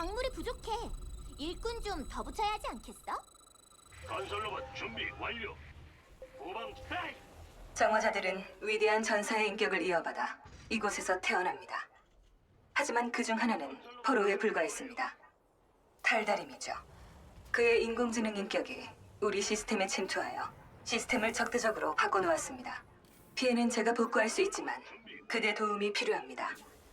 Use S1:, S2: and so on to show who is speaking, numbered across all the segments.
S1: 광물이 부족해. 일꾼 좀 더 붙여야 하지 않겠어?
S2: 건설로봇 준비 완료. 후방 스타일.
S3: 정화자들은 위대한 전사의 인격을 이어받아 이곳에서 태어납니다. 하지만 그 중 하나는 포로에 불과했습니다. 탈다림이죠. 그의 인공지능 인격이 우리 시스템에 침투하여 시스템을 적대적으로 바꿔놓았습니다. 피해는 제가 복구할 수 있지만 그대 도움이 필요합니다.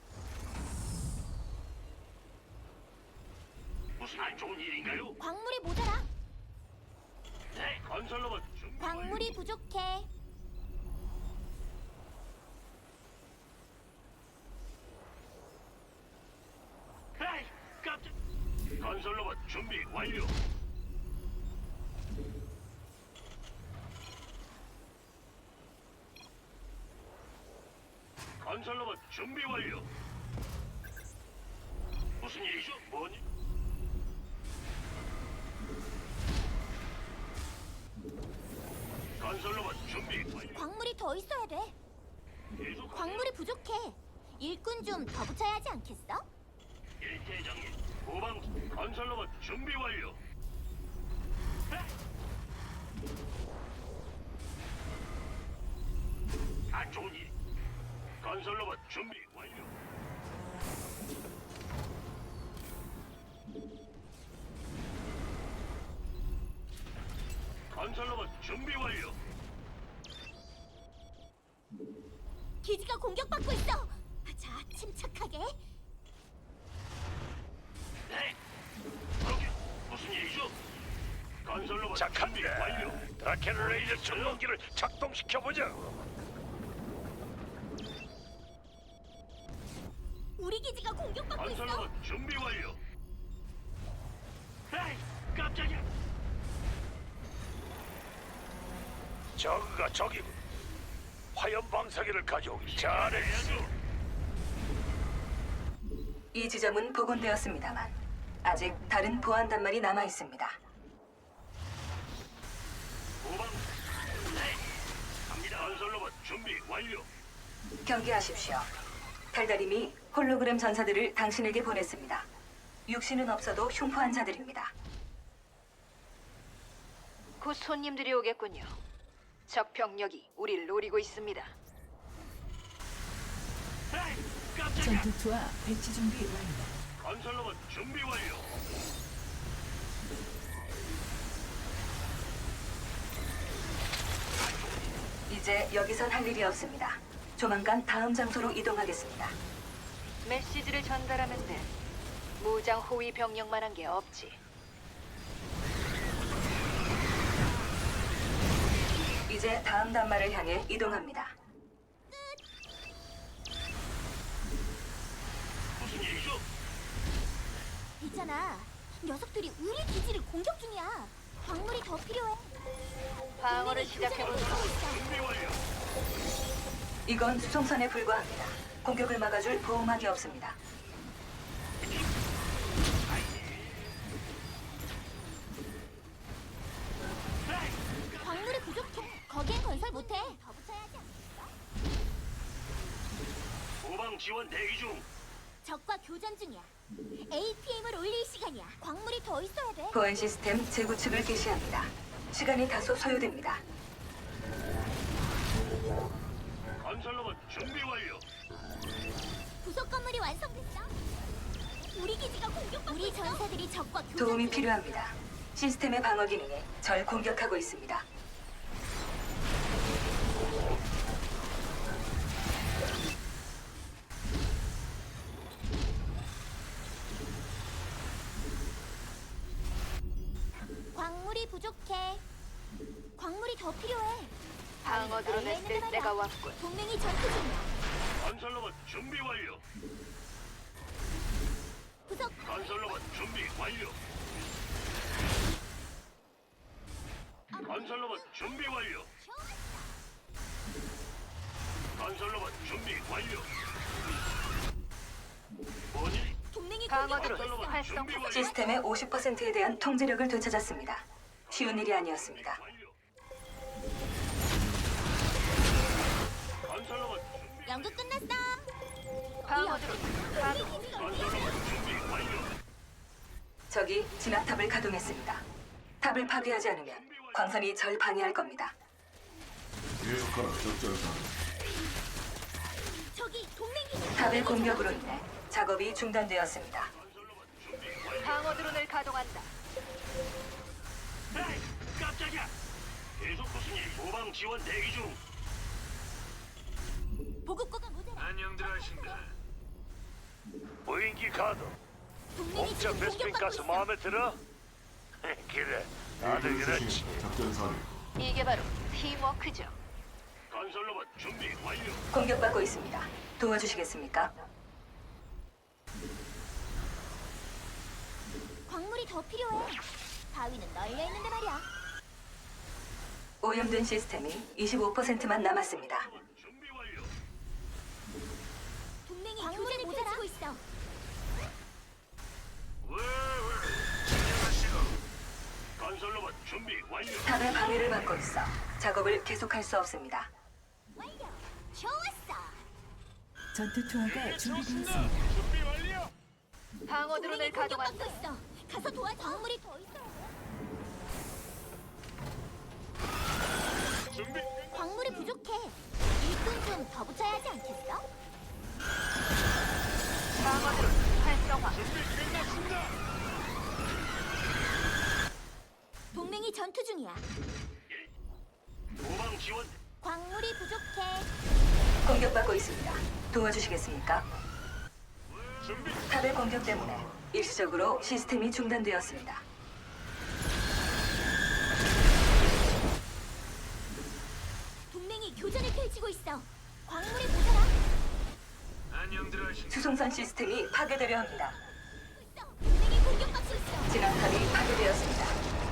S2: 무슨 안 좋은 일인가요?
S1: 광물이 모자라.
S2: 네, 건설로봇 준비
S1: 광물이 부족해.
S2: 완료. 에이, 깜짝. 건설로봇 준비 완료. 건설로봇 준비 완료. 무슨 일이죠? 뭐니? 건설로봇 준비 완료.
S1: 광물이 더 있어야 돼.
S2: 계속
S1: 광물이 부족해. 일꾼 좀 더 붙여야 하지 않겠어?
S2: 일대장님, 후방 건설로봇 준비 완료. 안 좋은 일. 건설로봇 준비 완료. 건설로봇 준비 완료.
S1: 기지가 공격받고 있어. 자, 침착하게.
S2: 네. 거기 무슨 일이죠? 건설로봇 준비
S4: 착한데
S2: 완료.
S4: 드라켄 레이저 전동기를 작동시켜보자.
S1: 우리 기지가 공격받고 있어.
S2: 건설로봇 준비 완료. 에이, 깜짝이야.
S4: 저그가 저기군. 화염 방사기를 가져오길 잘했어.
S2: 해야죠.
S3: 이 지점은 복원되었습니다만 아직 다른 보안 단말이 남아 있습니다.
S2: 후방. 네. 갑니다. 건설로봇 준비 완료.
S3: 경계하십시오. 달달임이 홀로그램 전사들을 당신에게 보냈습니다. 육신은 없어도 흉포한 자들입니다.
S5: 곧 손님들이 오겠군요. 적 병력이 우리를 노리고 있습니다.
S2: 에이, 깜짝이야.
S6: 전투투와 배치 준비 완료.
S2: 건설로봇 준비 완료.
S3: 이제 여기선 할 일이 없습니다. 조만간 다음 장소로 이동하겠습니다.
S5: 메시지를 전달하면 돼. 무장 호위 병력만 한 게 없지.
S3: 이제 다음 단말을 향해 이동합니다.
S2: 무슨 일이죠?
S1: 있잖아. 녀석들이 우리 기지를 공격 중이야. 광물이 더 필요해.
S5: 방어를
S1: 동맹이
S5: 시작해보자.
S1: 교전을 펼치고 있어.
S2: 준비 완료.
S3: 이건 수송선에 불과합니다. 공격을 막아줄 보호막이 없습니다.
S1: 광물이 부족해. 거기엔 건설 못해. 더 붙여야 하지 않겠어?
S2: 후방 지원 대기 중.
S1: 적과 교전 중이야. APM을 올릴 시간이야. 광물이 더 있어야 돼.
S3: 보안 시스템 재구축을 개시합니다. 시간이 다소 소요됩니다.
S2: 건설로봇 준비 완료.
S1: 부속 건물이 완성됐어. 우리 기지가 공격받고 우리 전사들이 적과 교전
S3: 도움이
S1: 중이야.
S3: 필요합니다. 시스템의 방어 기능이 절 공격하고 있습니다.
S1: 광물이 부족해. 광물이 더 필요해.
S5: 방어 드론 했을 때가 왔군.
S1: 동맹이 전투 중이야.
S2: 건설로봇 준비 완료.
S1: 부속
S2: 건설로봇 준비 완료. 건설로봇 준비 완료. 건설로봇 준비 완료. 뭐니?
S1: 동맹이
S5: 방어 드론
S2: 건설로봇
S5: 활성.
S2: 준비 완료.
S3: 시스템의 50%에 대한 통제력을 되찾았습니다. 쉬운 일이 아니었습니다.
S2: 완료. 건설로봇 준비.
S1: 연극 끝났어.
S5: 방어 드론 가동.
S2: 건설로봇 준비 완료.
S3: 적이 진압탑을 가동했습니다. 탑을 파괴하지 않으면 광선이 절 방해할 겁니다.
S7: 계속하라 적절사.
S1: 저기 동맹 기지.
S3: 탑의 공격으로 인해 작업이 중단되었습니다.
S5: 방어 드론을 가동한다.
S2: 에이, 깜짝이야. 계속 무슨 일? 모방 지원 대기 중.
S1: 보급고가 모자라.
S4: 안녕들 하신다. 무인기 가동.
S1: 동맹이
S4: 공짜
S1: 지금
S4: 베스핀
S1: 공격받고
S4: 가스
S1: 있어.
S4: 마음에 들어? 그래, 다들 그렇지.
S7: 작전 사례.
S5: 이게 바로 팀워크죠.
S2: 건설로봇 준비 완료.
S3: 공격받고 있습니다. 도와주시겠습니까?
S1: 광물이 더 필요해. 바위는 널려 있는데 말이야.
S3: 오염된 시스템이 25%만 남았습니다.
S2: 준비 완료.
S1: 동맹이 교전을 펼치고 있어.
S2: 건설로봇 준비 완료.
S3: 탑의 방해를 받고 있어 작업을 계속할 수 없습니다.
S1: 완료. 좋았어.
S6: 전투 투하가 준비되었습니다.
S2: 준비 완료.
S5: 방어 드론을
S1: 동맹이 공격받고
S5: 가동한다.
S1: 있어. 가서 도와줘. 광물이 더 있어.
S2: 준비.
S1: 광물이 부족해. 일꾼 좀 더 붙여야 하지 않겠어?
S5: 방어 드론 활성화.
S2: 준비 끝났습니다.
S1: 동맹이 전투 중이야.
S2: 모방 지원.
S1: 광물이 부족해.
S3: 공격받고 있습니다. 도와주시겠습니까?
S2: 준비.
S3: 탑의 공격 때문에 일시적으로 시스템이 중단되었습니다.
S1: 동맹이 교전을 펼치고 있어. 광물이 모자라.
S4: 안녕들 하신다.
S3: 수송선 시스템이 파괴되려 합니다.
S1: 동맹이 공격받고 있어.
S3: 진압탑이 파괴되었습니다.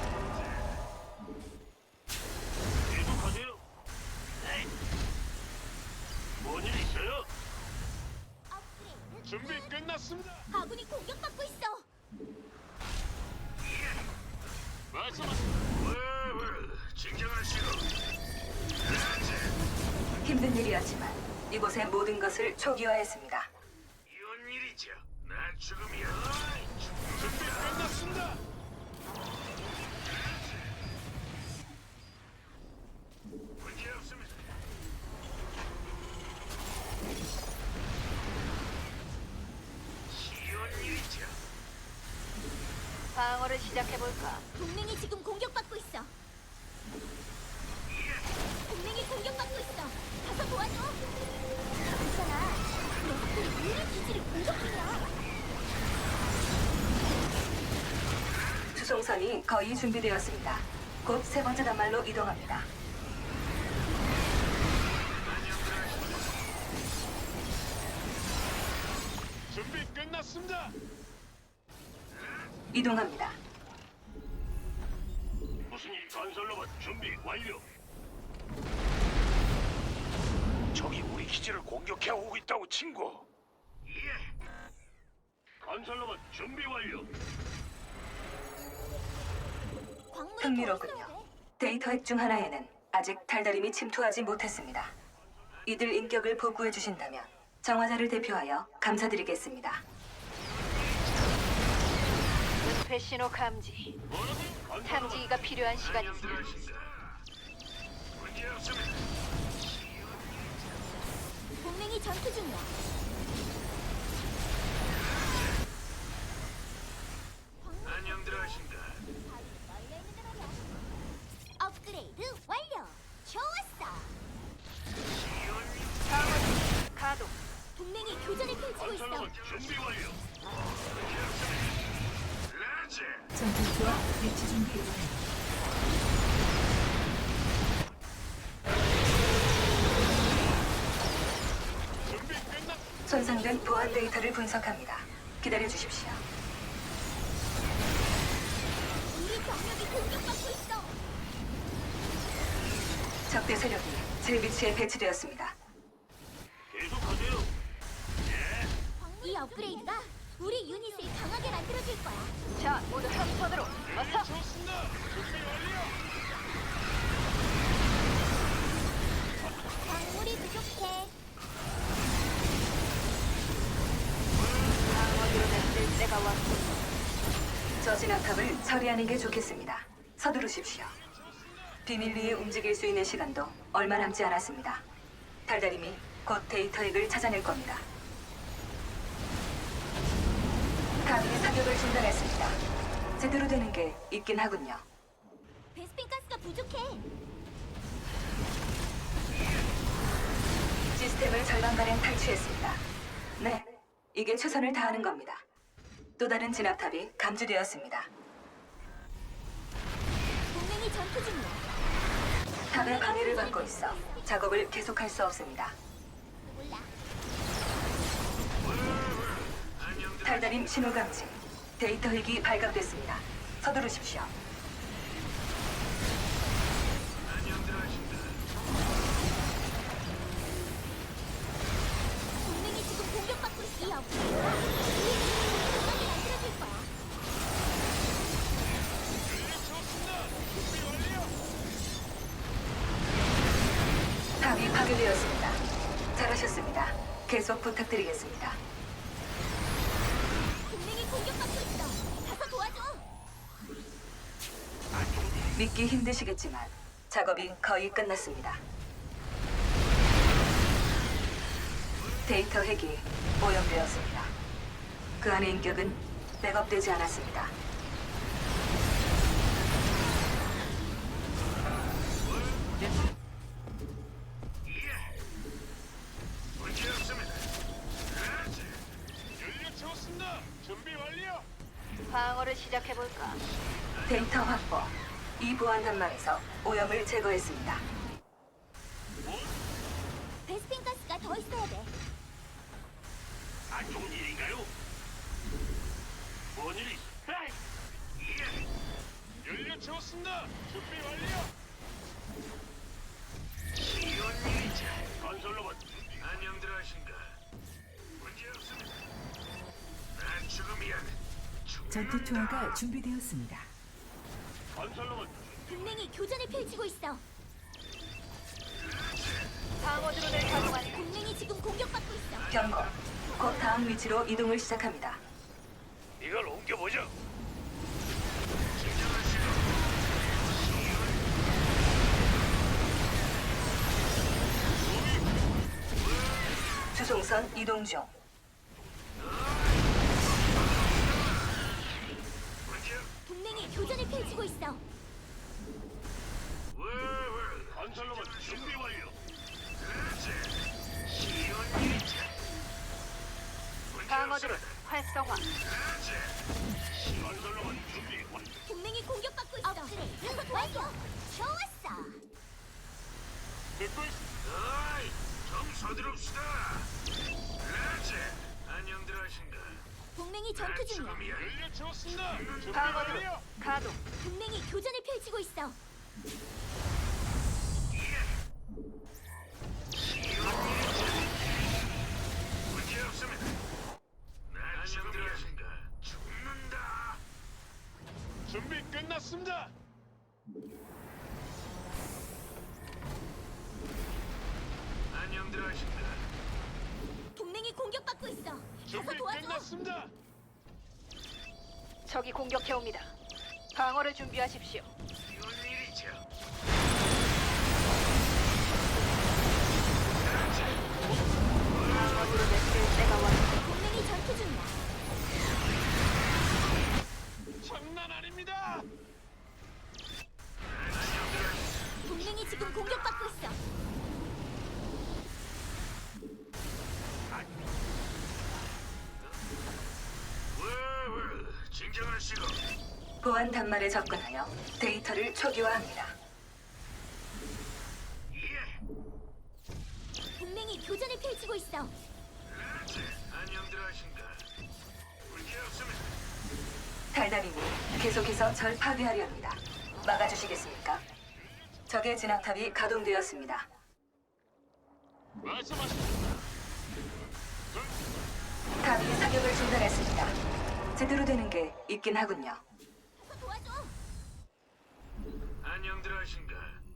S2: 계속하세요. 에이. 뭔일 있어요?
S1: 업그레이드.
S2: 준비 끝났습니다.
S1: 아군이 공격받고 있어.
S2: 말씀하세요.
S4: 진정하시고.
S3: 힘든 일이었지만 이곳의 모든 것을 초기화했습니다.
S4: 이런 일이죠. 나 죽음이야.
S2: 준비 끝났습니다.
S4: 문제 없습니다. 이런 일이죠.
S5: 방어를 시작해볼까?
S1: 동맹이 지금 공격받고 있어. 동맹이 공격받고 있어. 가서 도와줘. 괜찮아. 녀석들이 우리 기지를 공격 중이야.
S3: 수송선이 거의 준비되었습니다. 곧 세 번째 단말로 이동합니다.
S2: 준비 끝났습니다.
S3: 이동합니다.
S2: 무슨 일? 건설로봇 준비 완료.
S4: 적이 우리 기지를 공격해 오고 있다고 친구.
S2: 건설로봇 준비 완료.
S1: 광물이
S3: 흥미롭군요.
S1: 더 있어야 돼.
S3: 데이터 핵 중 하나에는 아직 달달임이 침투하지 못했습니다. 이들 인격을 복구해 주신다면 정화자를 대표하여 감사드리겠습니다.
S5: 은폐 신호 감지. 탐지기가 필요한 시간이 있어.
S4: 문제 없습니다.
S1: 동맹이 전투 중이야.
S4: 안녕들 하신다.
S1: 널려 있는데 말이야. 업그레이드 완료. 좋았어.
S5: 방어 드론 가동.
S1: 동맹이 교전을 펼치고 있어.
S2: 건설로봇 준비 완료.
S4: 라제.
S6: 전투 투하 배치 준비 완료.
S2: 준비 끝났.
S3: 손상된 보안 데이터를 분석합니다. 기다려 주십시오.
S1: 우리 병력이 공격받고 있어.
S3: 적대 세력이 제 위치에 배치되었습니다.
S2: 계속하세요.
S1: 이 업그레이드가 우리 유닛을 강하게 만들어줄 거야.
S5: 자, 모두 함선으로. 어서.
S2: 좋습니다. 준비 완료.
S1: 광물이 부족해.
S5: 방어 드론을 쓸 때가 왔군.
S3: 저 진압탑을 처리하는 게 좋겠습니다. 서두르십시오. 비밀리에 움직일 수 있는 시간도 얼마 남지 않았습니다. 달달임이 곧 데이터 핵을 찾아낼 겁니다. 감히 사격을 중단했습니다. 제대로 되는 게 있긴 하군요.
S1: 베스핀 가스가 부족해.
S3: 시스템을 절반가량 탈취했습니다. 네, 이게 최선을 다하는 겁니다. 또 다른 진압탑이 감지되었습니다.
S1: 동맹이 전투 중이야.
S3: 탑의 방해를 받고 있어 작업을 계속할 수 없습니다.
S1: 몰라.
S3: 달달임 신호 감지. 데이터 핵이 발각됐습니다. 서두르십시오.
S1: 동맹이 지금 공격받고 있어. 이 업그레이드가 우리를 만들어줄 거야.
S3: 탑이 파괴되었습니다. 잘하셨습니다. 계속 부탁드리겠습니다.
S1: 동맹이 공격받고 있어. 가서 도와줘.
S3: 믿기 힘드시겠지만 작업이 거의 끝났습니다. 데이터 핵이 오염되었습니다. 그 안의 인격은 백업되지 않았습니다.
S2: 문제 없습니다. 연료 채웠습니다. 준비 완료.
S5: 방어를 시작해볼까?
S3: 데이터 확보. 이 보안 단말에서 오염을 제거했습니다.
S1: 베스핀 가스가 더 있어야 돼.
S2: 안 좋은 일인가요? 뭔 일이? 에이! 예. 연료 채웠습니다. 준비 완료. 이런 일이지. 건설로봇 안녕들 하신가? 문제 없습니다. 난 죽음이야.
S6: 전투 투하가 준비되었습니다.
S2: 건설로봇
S1: 동맹이 교전을 펼치고 있어.
S5: 방어 드론을 가동하니
S1: 동맹이 지금 공격받고 있어.
S3: 경고. 곧 다음 위치로 이동을 시작합니다.
S2: 이걸 옮겨보죠.
S3: 주송선 이동 중.
S1: 동맹이 교전을 펼치고 있어.
S2: 건설로봇 준비 완료.
S5: 방어 드론 활성화.
S2: 건설로봇 준비 완료.
S1: 동맹이 공격받고 있어. 업그레이드 완료. 좋았어.
S2: 듣고 있. 어이, 좀 서두릅시다. 라제, 안녕들 하신가?
S1: 동맹이 전투 중이야.
S2: 연료 채웠습니다. 준비
S5: 방어 드론
S2: 완료.
S5: 가동.
S1: 동맹이 교전을 펼치고 있어.
S2: 문제 없습니다. 안녕들 하신가? 죽는다. 준비 끝났습니다. 안녕들 하신가?
S1: 동맹이 공격받고 있어. 가서
S2: 준비
S1: 도와줘.
S2: 끝났습니다.
S5: 적이 공격해옵니다. 방어를 준비하십시오.
S2: 이런 일이죠.
S5: 방어 드론을 쓸 때가 왔어.
S1: 동맹이 전투 중이야.
S2: 장난 아닙니다.
S1: 동맹이 지금 공격받고 있어.
S2: 진정하시고.
S3: 보안 단말에 접근하여 데이터를 초기화합니다.
S2: 예.
S1: 동맹이 교전을 펼치고 있어.
S2: 안녕들 하신가? 문제 없습니다.
S3: 달달임이 계속해서 절 파괴하려 합니다. 막아주시겠습니까? 적의 진압탑이 가동되었습니다.
S2: 말씀하십시오.
S3: 탑이 사격을 중단했습니다. 제대로 되는 게 있긴 하군요.
S1: 가서 도와줘.
S2: 안녕들 하신가?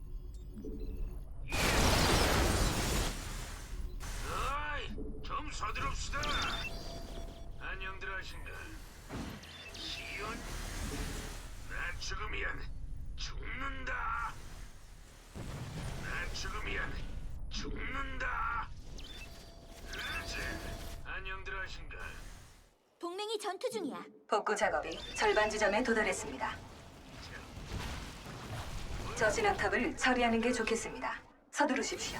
S2: 어이, 좀 서두릅시다. 안녕들 하신가? 시온
S4: 죽으면 죽는다. 나 죽으면 죽는다. 그렇지. 안녕들 하신가?
S1: 동맹이 전투 중이야.
S3: 복구 작업이 절반 지점에 도달했습니다. 저 진압탑을 처리하는 게 좋겠습니다. 서두르십시오.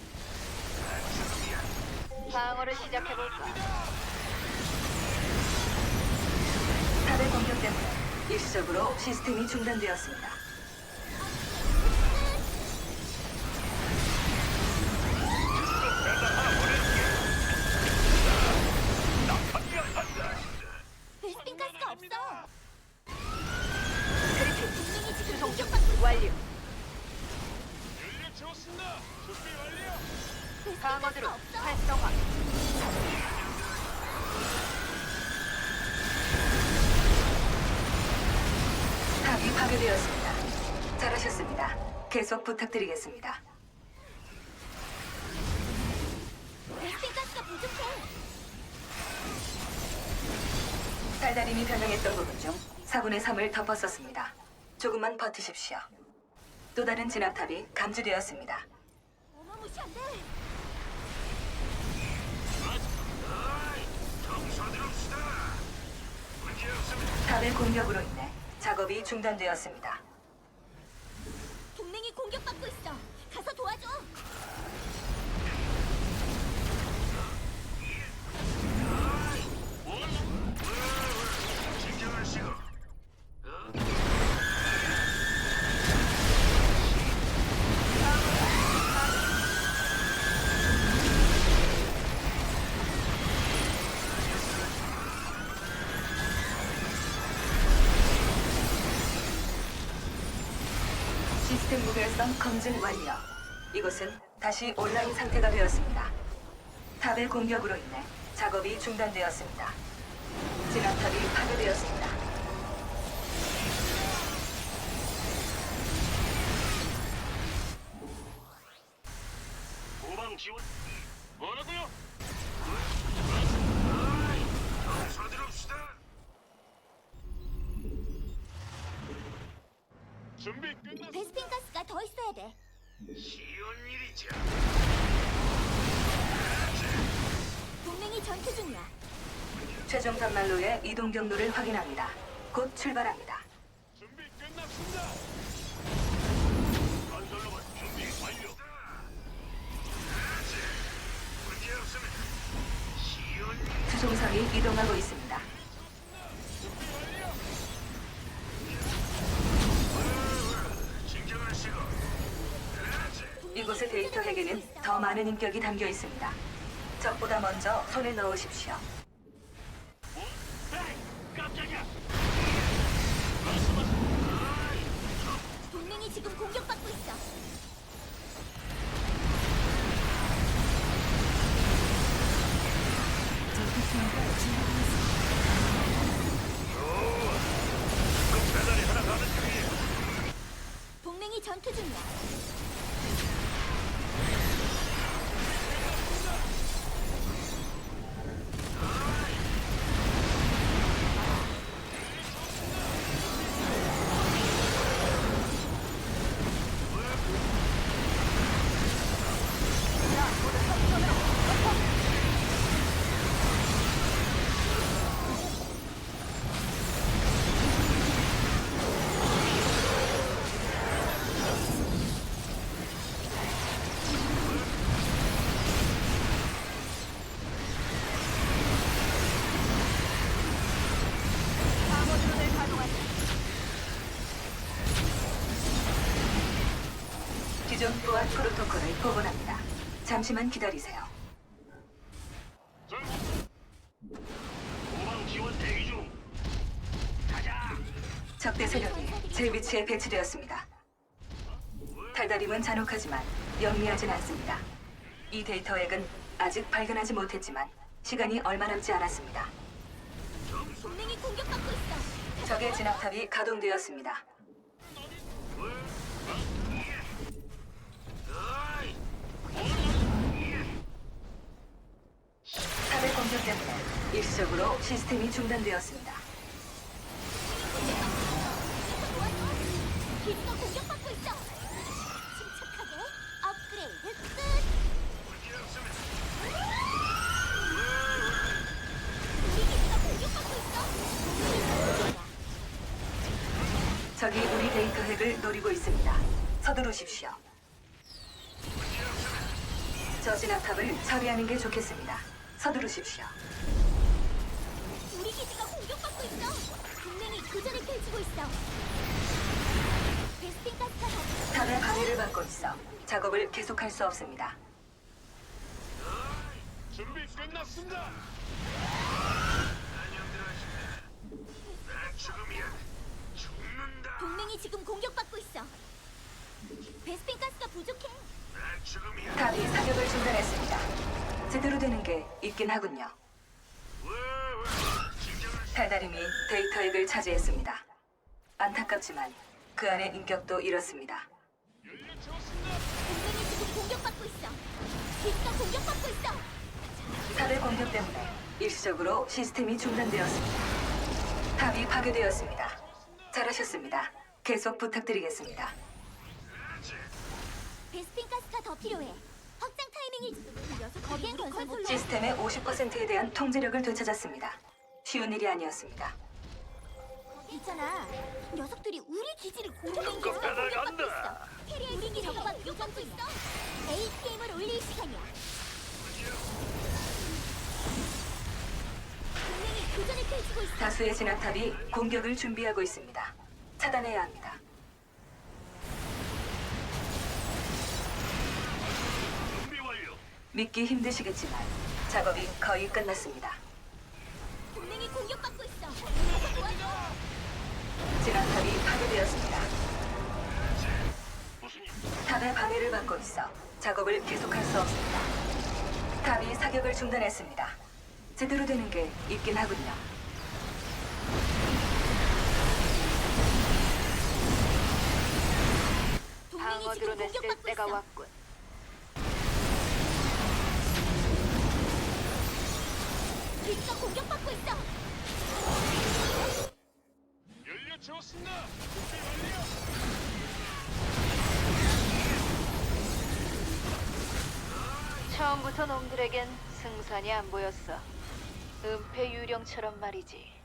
S5: 방어를 시작해볼까?
S3: 탑의 공격 때문에 일시적으로 시스템이 중단되었습니다.
S1: 베스핀 가스가 없어.
S5: 그리핀
S1: 동맹이 지금
S5: 수송 중
S1: 공격받고 있어.
S5: 완료.
S2: 연료 채웠습니다. 준비 완료.
S1: 베스핀
S5: 방어드로
S1: 가스가 없어.
S5: 활성화.
S3: 탑이 파괴되었습니다. 잘하셨습니다. 계속 부탁드리겠습니다.
S1: 베스핀 가스가 부족해.
S3: 달달임이 변형했던 부분 중 4분의 3을 덮었었습니다. 조금만 버티십시오. 또 다른 진압탑이 감지되었습니다.
S1: 어마무시한데.
S4: 정서들읍시다. 문제 없습니다.
S3: 탑의 공격으로 인해 작업이 중단되었습니다.
S1: 동맹이 공격받고 있어. 가서 도와줘.
S4: 진정하시고.
S3: 시스템 무결성 검증 완료. 이곳은 다시 온라인 상태가 되었습니다. 탑의 공격으로 인해 작업이 중단되었습니다. 진압탑이 파괴되었습니다.
S4: 후방 지원.
S2: 뭐라고요?
S4: 정서들읍시다.
S2: 준비 끝났.
S1: 베스핀 가스가 더 있어야 돼.
S4: 쉬운 일이죠.
S1: 동맹이 전투 중이야.
S3: 최종 단말로의 이동 경로를 확인합니다. 곧 출발합니다.
S2: 준비 끝났습니다.
S4: 건설로봇 준비 완료. 문제 없습니다. 쉬운 일.
S3: 수송선이 이동하고 있습니다.
S4: 진정하시고.
S3: 이곳의 데이터 핵에는 더 많은 인격이 담겨 있습니다. 적보다 먼저 손에 넣으십시오.
S4: 깜짝이야.
S1: 동맹이 지금 공격받고 있어.
S6: 전투투하가 준비되었습니다.
S4: 그 배달이 하나 가는 중이에요.
S1: 동맹이 전투 중이야.
S5: 방어드론을 가동한다.
S3: 기존 보안 프로토콜을 복원합니다. 잠시만 기다리세요.
S4: 후방 지원 대기 중. 가자.
S3: 적대 세력이 제 위치에 배치되었습니다. 달달임은 잔혹하지만 영리하진 않습니다. 이 데이터 핵은 아직 발견하지 못했지만 시간이 얼마 남지 않았습니다.
S1: 동맹이 공격받고 있어.
S3: 적의 진압탑이 가동되었습니다. 탑의 공격 때문에 일시적으로 시스템이 중단되었습니다.
S1: 도와줘.
S3: 데이터 핵을 노리고 있습니다. 서두르십시오. 저 진압탑을 처리하는 게 좋겠습니다. 서두르십시오.
S1: 우리 기지가 공격받고 있어. 동맹이 교전을 펼치고 있어. 베스핀 가스가 더
S3: 탑의 방해를 받고 있어 작업을 계속할 수 없습니다.
S2: 준비 끝났습니다.
S1: 동맹이 지금 공격받고 있어. 베스핀 가스가 부족해.
S3: 탑이 사격을 중단했습니다. 제대로 되는 게 있긴 하군요. 달달임이 데이터 핵을 차지했습니다. 안타깝지만 그 안의 인격도 잃었습니다.
S2: 연료 채웠습니다.
S1: 동맹이 지금 공격받고 있어. 기지가 공격받고 있어.
S3: 탑의 공격 때문에 일시적으로 시스템이 중단되었습니다. 탑이 파괴되었습니다. 잘하셨습니다. 계속 부탁드리겠습니다.
S1: 베스핀 가스가 더 필요해. 확장 타이밍이 거기엔 건설로
S3: 시스템의 50%에 대한 통제력을 되찾았습니다. 쉬운 일이 아니었습니다.
S1: 있잖아. 녀석들이 우리 기지를 공격받고 있어. 캐리의 우리 기지가 공격받고 있어. APM을 올릴 시간이야. 동맹이 교전을 펼치고 있어.
S3: 다수의 진압탑이 공격을 준비하고 있습니다. 차단해야 합니다.
S4: 준비 완료.
S3: 믿기 힘드시겠지만 작업이 거의 끝났습니다.
S1: 동맹이 공격받고 있어. 가서 도와줘.
S3: 진압탑이 파괴되었습니다.
S4: 무슨 일?
S3: 탑의 방해를 받고 있어 작업을 계속할 수 없습니다. 탑이 사격을 중단했습니다. 제대로 되는 게 있긴 하군요.
S1: 동맹이
S5: 방어
S1: 지금
S5: 드론을 쓸
S1: 공격받고
S5: 때가
S1: 있어.
S5: 왔군.
S1: 기지가 공격받고 있어.
S2: 연료 채웠습니다. 준비 완료.
S5: 처음부터 놈들에겐 승산이 안 보였어. 은폐 유령처럼 말이지.